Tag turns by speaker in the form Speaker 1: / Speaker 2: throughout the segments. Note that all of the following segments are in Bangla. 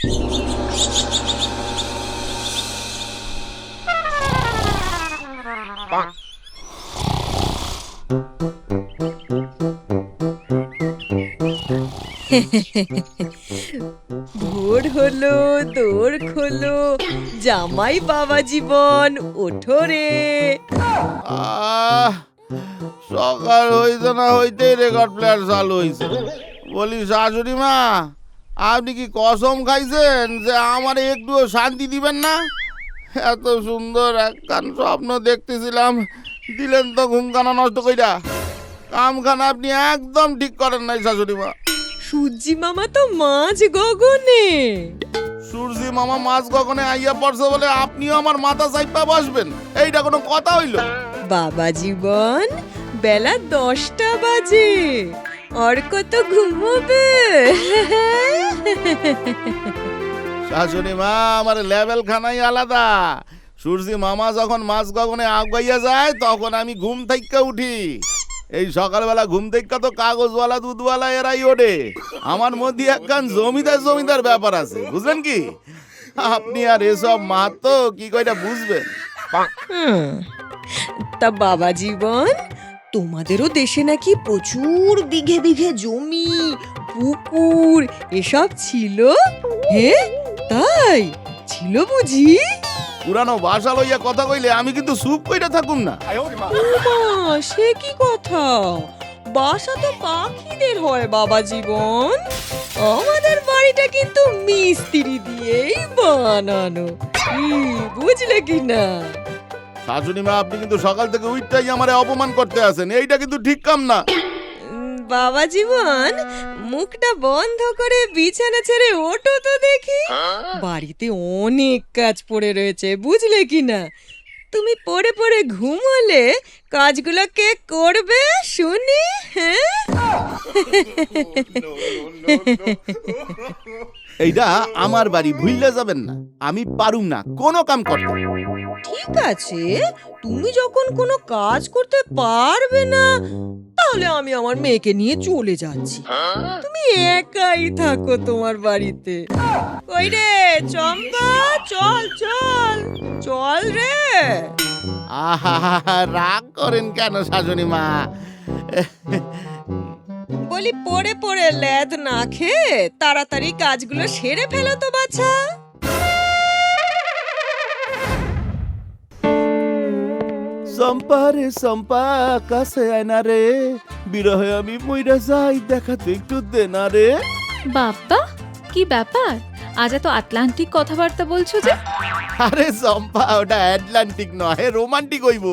Speaker 1: ভোর হলো, দোর খোলো, জামাই বাবা জীবন ওঠো রে।
Speaker 2: সকাল হইতে না হইতেই রেকর্ড প্লেয়ার চালু হইছে। বলি শাশুড়ি মা, আপনি কি কসম খাইছেন যে আমার একটুও শান্তি দিবেন না? এত সুন্দর একখান স্বপ্ন দেখতেছিলাম, দিলেন তো ঘুমখানা নষ্ট কইরা। কামখানা আপনি একদম ঠিক করেন নাই শাশুড়ি মা।
Speaker 1: সূর্যি মামা তো মাঝ গগনে।
Speaker 2: সূর্যি মামা মাছ গগনে আইয়া পড়ছে বলে আপনিও আমার মাথা চাইপা বসবেন? এইটা কোনো কথা হইল?
Speaker 1: বাবা জীবন, বেলা 10টা বাজে, আর কত ঘুমোবে?
Speaker 2: শাশুড়ি মা, আমার লেভেল খানাই আলাদা। সূর্যি মামা যখন মাছ গগনে আগাইয়া যায় তখন আমি ঘুম থেকে উঠি। এই সকালবেলা ঘুম থেকে তো কাগজওয়ালা দুধওয়ালা এরাই ওঠে। আমার মধ্যে একখান জমিদার জমিদার ব্যাপার আছে, বুঝলেন কি? আপনি আর এসব মাহাতো কি কয়টা বুঝবেন?
Speaker 1: তা বাবা জীবন, তোমাদেরও দেশে নাকি প্রচুর বিঘে বিঘে জমি, পুকুর এসব ছিল? হ্যাঁ, তাই ছিল বুঝি?
Speaker 2: পুরানো বাসা লইয়া কথা কইলে আমি কিন্তু চুপ কইরা থাকুম না।
Speaker 1: মা, সে কি কথা? বাসা তো পাখিদের হয় বাবা জীবন। আমাদের বাড়িটা কিন্তু মিস্ত্রি দিয়েই বানানো, কি বুঝলে কি না?
Speaker 2: শাশুড়ি মা, আপনি কিন্তু সকাল থেকে উইটাই আমারে অপমান করতে আছেন, এইটা কিন্তু ঠিক কাম না।
Speaker 1: বাবা জীবন, মুখটা বন্ধ করে বিছানা ছেড়ে ওঠো তো দেখি। বাড়িতে অনেক কাজ পড়ে রয়েছে, বুঝলে কি না? তুমি পড়ে পড়ে ঘুমোলে কাজগুলো কে করবে শুনি? হ্যাঁ,
Speaker 2: এইটা আমার বাড়ি, ভুললে যাবেন না। আমি পারুম না কোনো কাম করতে।
Speaker 1: ঠিক আছে, তুমি যখন কোনো কাজ করতে পারবে না, তাহলে আমি আমার মেয়েকে নিয়ে চলে যাচ্ছি। তুমি একাই থাকো তোমার বাড়িতে। কই রে চম্পা, চল চল চল রে।
Speaker 2: আহা, রাগ করেন কেন শাশুড়ি মা?
Speaker 1: বলি পড়ে পড়ে লেদ না খেয়ে তাড়াতাড়ি কাজগুলো সেরে ফেলো তো বাছা।
Speaker 2: চম্পা রে চম্পা, কাছে আয় না রে, বিরহে আমি মইরা যাই, দেখাতে একটু দে না রে।
Speaker 3: বাপ্পা, কি ব্যাপার? আজ এত আটলান্টিক কথাবার্তা বলছো যে?
Speaker 2: আরে চম্পা, ওটা আটলান্টিক নয়, রোমান্টিক হইব।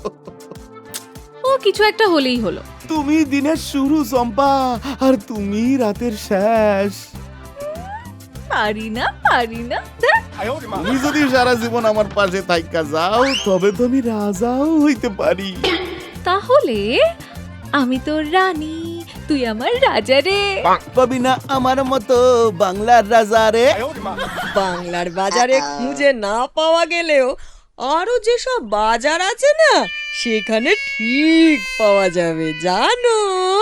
Speaker 3: ও কিছু একটা হলেই হলো।
Speaker 2: তুমি দিনের শুরু চম্পা, আর তুমি রাতের শেষ।
Speaker 3: পারি না পারি না।
Speaker 2: তুমি যদি সারা জীবন আমার পাশে থাইকা যাও, তবে তো আমি রাজাও হইতে পারি।
Speaker 3: তাহলে আমি তোর রানী, তুই আমার রাজা রে।
Speaker 2: পাবি না আমার মতো বাংলার রাজা রে।
Speaker 1: বাংলার বাজারে খুঁজে না পাওয়া গেলেও আরো যেসব বাজার আছে না, সেখানে ঠিক পাওয়া যাবে, জানো?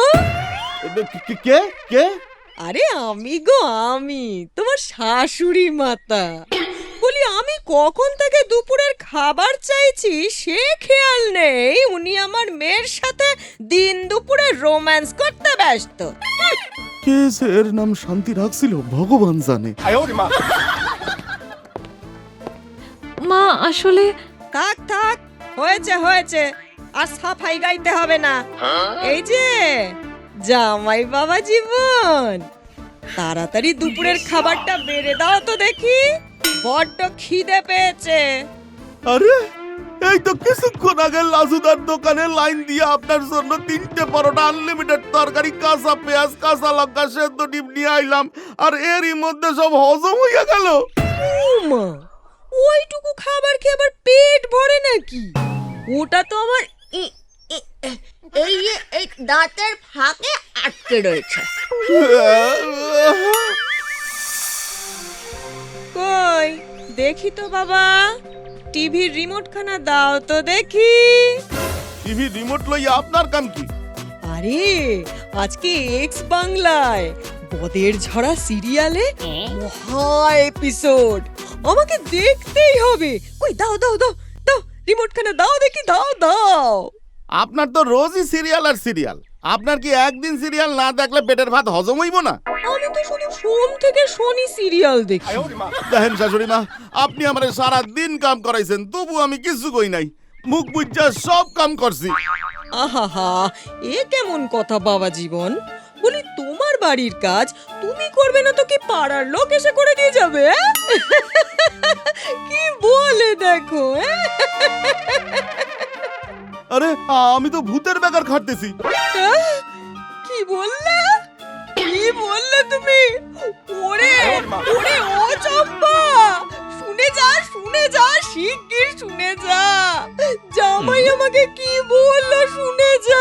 Speaker 2: কে কে?
Speaker 1: আরে আমি গো, আমি তোমার শাশুড়ি মাতা। বলি আমি কখন থেকে দুপুরের খাবার চাইছি সে খেয়াল নেই, উনি আমার মেয়ের সাথে দিন দুপুরে রোম্যান্স করতে ব্যস্ত।
Speaker 2: কে এর নাম শান্তি রাখছিল ভগবান জানে।
Speaker 3: মা আসলে
Speaker 1: থাক থাক, হয়েছে হয়েছে, আর সাফাই গাইতে হবে না। এই যে জামাই বাবা জীবন, তাড়াতাড়ি দুপুরের খাবারটা বেড়ে দাও তো দেখি, বড্ড খিদে পেয়েছে।
Speaker 2: আরে এই তো কিছুক্ষণ আগে লাজুদার দোকানে লাইন দিয়ে আপনার জন্য 3টে পরোটা, আনলিমিটেড তরকারি, কাঁচা পেঁয়াজ, কাঁচা লঙ্কা, সেদ্ধ ডিম নিয়ে আইলাম, আর এরই মধ্যে সব হজম হইয়া গেল।
Speaker 1: মা, ওইটুকু খাবার খেয়ে আবার পেট ভরে নাকি? ওটা তো আমার এই দাঁতের ফাঁকে আটকে রয়েছে। কই দেখি তো বাবা, টিভির রিমোট খানা দাও তো দেখি।
Speaker 2: টিভি রিমোট লইয়া আপনার কাম কি?
Speaker 1: আরে আজকে এক্স বাংলায় বদের ঝরা সিরিয়ালে মহা এপিসোড আমাকে দেখতেই হবে। কই দাও দাও দাও দাও, রিমোটখানা দাও দেখি, দাও দাও।
Speaker 2: আপনার তো রোজই সিরিয়াল আর সিরিয়াল। আপনার কি একদিন সিরিয়াল না দেখলে পেটের ভাত হজম হইব না?
Speaker 1: আমি তো শুধু সোম থেকে শনি সিরিয়াল দেখি।
Speaker 2: দেখেন শাশুড়ি মা, আপনি আমারে সারা দিন কাম করাইছেন, তবু আমি কিছু কই নাই। মুখ বুজ্জা সব কাম করছি।
Speaker 1: আহা, এ কেমন কথা বাবা জীবন? বলি তোমার বাড়ির কাজ তুমি করবে না তো কি পাড়ার লোক এসে করে দিয়ে যাবে? কি বলে দেখো।
Speaker 2: আরে আমি তো ভূতের বেকার খাটতেছি।
Speaker 1: কি বললে? কি বললে তুমি? ওরে ওরে ও চম্পা, শুনে যা শিগগির শুনে যা। জামাই আমাকে কি বললো শুনে যা।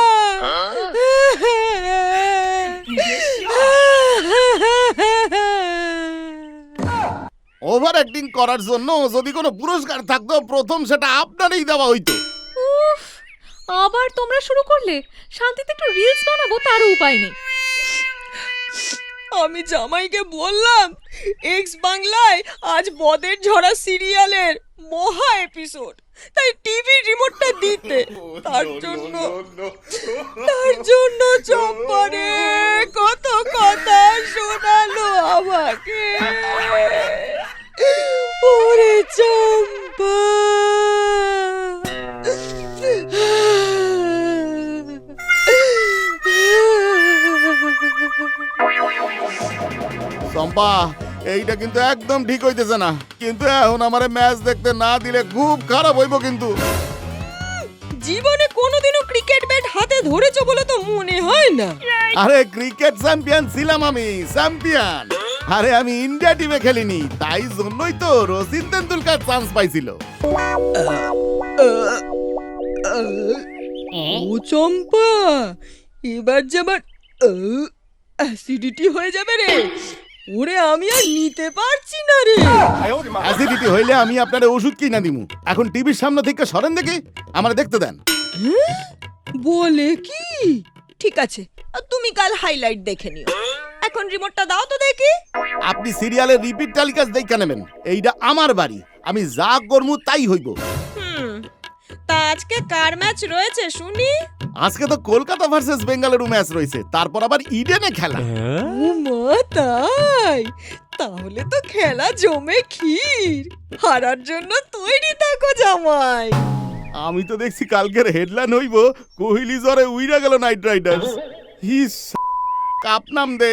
Speaker 2: ওভার অ্যাক্টিং করার জন্য যদি কোনো পুরস্কার থাকতো, প্রথম সেটা আপনারই দেওয়া হইতো।
Speaker 3: উফ, আবার তোমরা শুরু করলে। শান্তিতে একটু রিলস বানাবো, তারও উপায় নেই।
Speaker 1: আমি জামাইকে বললাম এক্স বাংলায় আজ বদের ঝরা সিরিয়ালের মহা এপিসোড, তাই টিভি রিমোটটা দিতে। তার জন্য চম্পারে কত কথা শোনালো আমাকে। ওরে চম্পা,
Speaker 2: চম্পা, এইটা কিন্তু একদম ঠিক হইতেছে না। কিন্তু এখন আমারে ম্যাচ দেখতে না দিলে খুব খারাপ হইব কিন্তু।
Speaker 1: জীবনে কোনোদিনও ক্রিকেট ব্যাট হাতে ধরেছো বলে তো মনে হয় না।
Speaker 2: আরে ক্রিকেট চ্যাম্পিয়ন ছিলাম আমি, চ্যাম্পিয়ন। আরে আমি ইন্ডিয়া টিমে খেলিনি, তাই জন্যই তো রচিন তেন্ডুলকার চান্স পাইছিল।
Speaker 1: ও চম্পা, এবার যে আমার অ্যাসিডিটি হয়ে যাবে রে। ওরে আমি আর নিতে পারছি না রে।
Speaker 2: অ্যাসিডিটি হইলে আমি আপনার ওষুধ কিনা দিমু। এখন টিভির সামনে থেকে সরেন দেখি, আমার দেখতে দেন।
Speaker 1: বলে কি? ঠিক আছে, তুমি কাল হাইলাইট দেখে নিও। এখন রিমোটটা দাও তো দেখি।
Speaker 2: আপনি সিরিয়ালের রিপিট টেলিকাস্ট দেখা নেবেন। এইটা আমার বাড়ি, আমি যা করমু তাই হইব।
Speaker 1: তা আজকে কার ম্যাচ রয়েছে শুনি?
Speaker 2: আজকে তো কলকাতা ভার্সেস বেঙ্গালুরু ম্যাচ রয়েছে, তারপর আবার ইডেনে খেলা।
Speaker 1: ও মা, তাই? তাহলে তো খেলা জমে ক্ষীর। হারার জন্য তৈরি থাকো জামাই।
Speaker 2: আমি তো দেখছি কালকের হেডলাইন হইব কোহলি জ্বরে উইরা গেল নাইট রাইডার্স। কাপ নাম দে।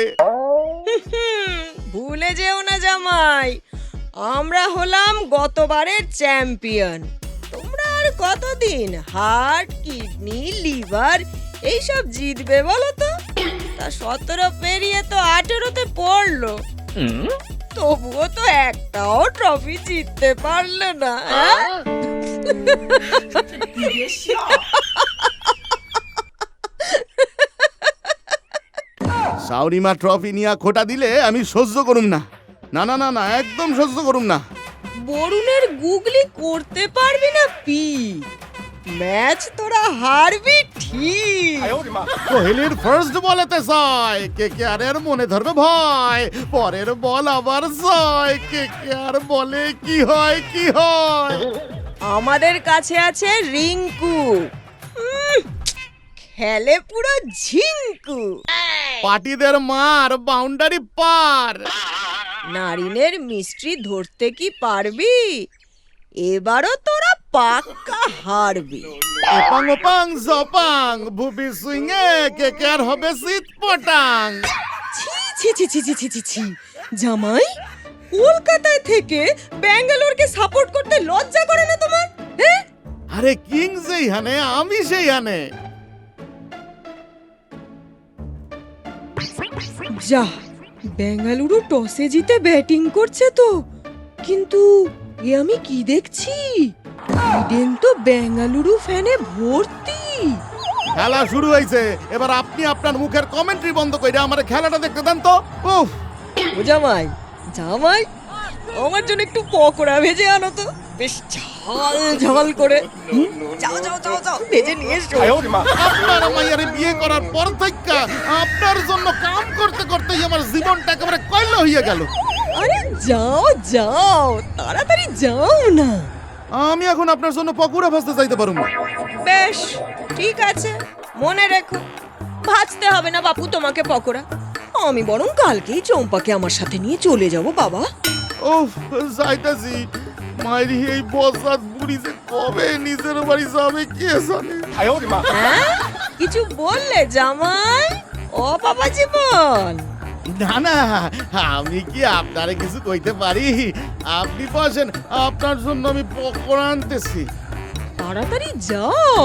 Speaker 1: ভুলে যেও না জামাই, আমরা হলাম গতবারের চ্যাম্পিয়ন। তোমরা আর কতদিন হার্ট, কিডনি, লিভার এইসব জিতবে বলো তো? তা 17 পেরিয়ে তো 18তে পড়লো, তবুও তো একটাও ট্রফি জিততে পারলে না।
Speaker 2: সাউরিমা ট্রফি নিয়ে খোটা দিলে আমি সহ্য করুম না। না না না না, একদম সহ্য করুম না।
Speaker 1: বরুণের গুগলি করতে পারবি না পি। ম্যাচ তোরা হারবি ঠিক।
Speaker 2: কোহলির ফার্স্ট বলেতে ছয়, কেকেআরের মনে ধরবে ভয়। পরের বল আবার ছয়, কেকেআর বলে কি হয় কি হয়।
Speaker 1: আমাদের কাছে আছে রিঙ্কু, খেলে পুরো ঝিঙ্কু।
Speaker 2: পার্টিদের মার বাউন্ডারি পার।
Speaker 1: নারিনের মিস্ট্রি ধরতে কি পারবি? এবারও তোরা পাক্কা হারবি।
Speaker 2: এপাং ওপাং জপাং ভুবি সুইংয়ে কেকেআর হবে শীত পটাং।
Speaker 1: ছি ছি ছি ছি ছি ছি ছি, জামাই কলকাতায় থেকে ব্যাঙ্গালোরকে সাপোর্ট করতে লজ্জা করে না তোমার? হ্যাঁ,
Speaker 2: আরে কিং যেই হানে আমি সেই হানে।
Speaker 1: যা, বেঙ্গালুরু টসে জিতে ব্যাটিং করছে তো। কিন্তু এ আমি কি দেখছি, ইডেন তো বেঙ্গালুরু ফ্যানে ভর্তি।
Speaker 2: খেলা শুরু হয়েছে, এবার আপনি আপনার মুখের কমেন্ট্রি বন্ধ করে আমার খেলাটা দেখতে দেন তো। উফ,
Speaker 1: ও জামাই, জামাই আমার জন্য একটু পকোড়া ভেজে আনো তো, বেশ ঝাল ঝাল করে। যাও যাও যাও যাও, ভেজে নিয়ে এসো।
Speaker 2: আপনার মাইয়ারে বিয়ে করার পর থেকে আপনার জন্য কাম করতে করতেই আমার জীবনটা একেবারে কয়লা হইয়া গেল।
Speaker 1: আরে যাও যাও, তাড়াতাড়ি যাও না।
Speaker 2: আমি এখন আপনার জন্য পকোড়া ভাজতে চাইতে পারুম না।
Speaker 1: বেশ, ঠিক আছে, মনে রেখো, ভাজতে হবে না বাপু তোমাকে পকোড়া। আমি বরং কালকেই চম্পাকে আমার সাথে নিয়ে চলে যাব বাবা।
Speaker 2: ওহ, যাইতাছি। মাইরি এই বসাত বুড়ি যে কবে নিজের বাড়ি যাবে কে জানে।
Speaker 1: হ্যাঁ, কিছু বললে জামাই? ও বাবা জীবন,
Speaker 2: না না, আমি কি আপনারে কিছু কইতে পারি? আপনি বসেন, আপনার জন্য আমি পকোড়া আনতেছি।
Speaker 1: তাড়াতাড়ি যাও।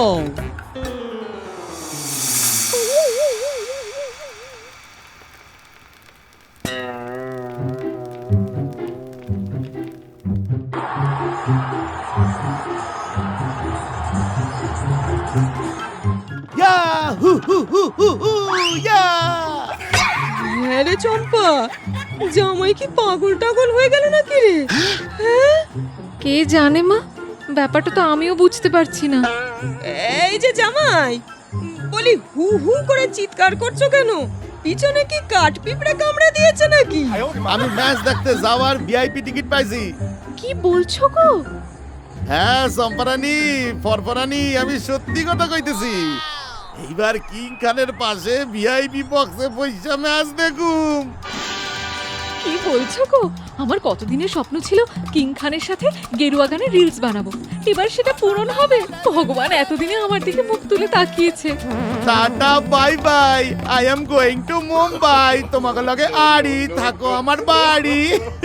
Speaker 2: ইয়া হু হু হু হু হু ইয়া।
Speaker 1: হ্যাঁ রে চম্পা, জামাই কি পাগল টাগল হয়ে গেল নাকি রে? হ্যাঁ,
Speaker 3: কে জানে মা, ব্যাপারটা তো আমিও বুঝতে পারছি না।
Speaker 1: এই যে জামাই, বলি হু হু করে চিৎকার করছো কেন? পিছনে কি কাঠ পিঁপড়ে কামড়ে দিয়েছে নাকি?
Speaker 2: আমি ম্যাচ দেখতে যাওয়ার ভিআইপি টিকিট পাইছি।
Speaker 3: কি বলছো গো?
Speaker 2: হ্যাঁ সম্পারানি ফরফরানি, আমি সত্যি কথা কইতেছি। এইবার কিং খানের পাশে ভিআইপি বক্সে পয়সা ম্যাচ দেখুম।
Speaker 3: কি বলছো গো? আমার কতদিনের স্বপ্ন ছিল কিং খানের সাথে গেরুয়া গানে রিলস বানাবো, এবার সেটা পূরণ হবে। ভগবান এতদিনে আমার দিকে মুখ তুলে তাকিয়েছে।
Speaker 2: Tata bye bye, I am going to Mumbai. তোমাকে লগে আড়ি থাকো আমার বাড়ি।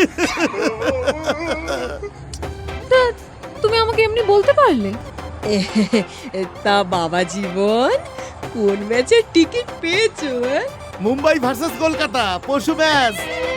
Speaker 3: তা তুমি আমাকে এমনি বলতে পারলে?
Speaker 1: তা বাবা জীবন, কোন ম্যাচের টিকিট পেয়েছো?
Speaker 2: মুম্বাই ভার্সেস কলকাতা পরশু ম্যাচ।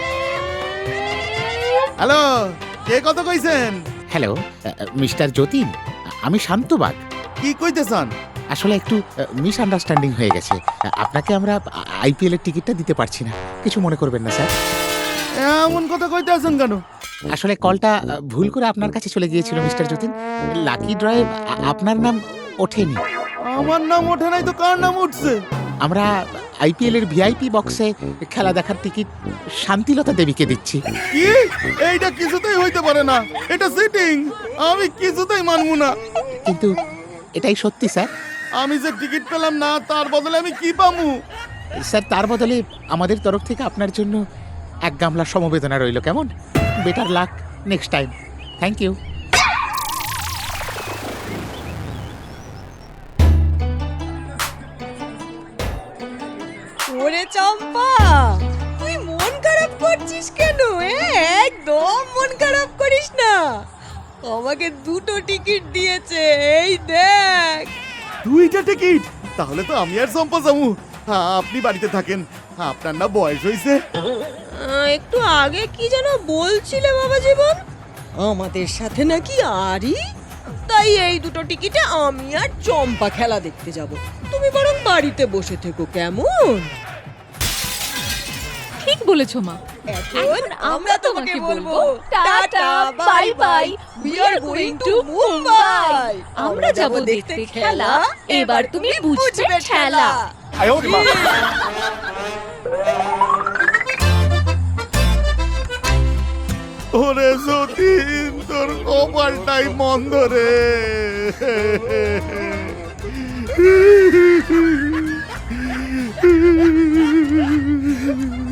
Speaker 2: হ্যালো, কে কত কইছেন?
Speaker 4: হ্যালো মিস্টার যতীন, আমি শান্তবাগ।
Speaker 2: কি কইতেছান?
Speaker 4: আসলে একটু মিসআন্ডারস্ট্যান্ডিং হয়ে গেছে। আপনাকে আমরা আইপিএল এর টিকিটটা দিতে পারছি না, কিছু মনে করবেন না স্যার।
Speaker 2: এমন কথা কইতেছেন কেন?
Speaker 4: আসলে কলটা ভুল করে আপনার কাছে চলে গিয়েছিল মিস্টার যতীন। লাকি ড্রয়ে আপনার নাম ওঠেনি।
Speaker 2: আমার নাম ওঠে নাই তো কার নাম উঠছে?
Speaker 4: আমরা আইপিএল এর ভিআইপি বক্সে খেলা দেখার টিকিট শান্তিলতা দেবীকে দিচ্ছি।
Speaker 2: কি? এইটা কিছুতেই হইতে পারে না, এটা চিটিং। আমি কিছুতেই মানবো না।
Speaker 4: কিন্তু এটাই সত্যি স্যার।
Speaker 2: আমি যে টিকিট পেলাম না, তার বদলে আমি কি পামু?
Speaker 4: স্যার তার বদলে আমাদের তরফ থেকে আপনার জন্য এক গামলা সমবেদনা রইল, কেমন? Better luck next time. Thank you.
Speaker 1: ওরে চম্পা, তুই মন খারাপ করছিস কেন? একদম মন খারাপ করিস না, আমাকে দুটো টিকিট দিয়েছে, এই দেখ।
Speaker 2: দুইটা টিকিট? তাহলে তো আমি আর সম্পা যাবো। আপনি বাড়িতে থাকেন, আপনার না বয়স হইছে।
Speaker 1: একটু আগে কি যেন বলছিলে বাবা জীবন, আমাদের সাথে নাকি আরই? তাই এই দুটো টিকিটে আমি আর চম্পা খেলা দেখতে যাব। তুমি বরং বাড়িতে বসে থেকো, কেমন?
Speaker 3: ঠিক বলেছো মা।
Speaker 1: এখন আমরা তোমাকে বলবো tata bye bye, we are going to Mumbai. আমরা যাব দেখতে খেলা, এবার তুমি বুঝবে খেলা।
Speaker 2: ওরে যতীন, তোর কপালটাই মন্দ রে।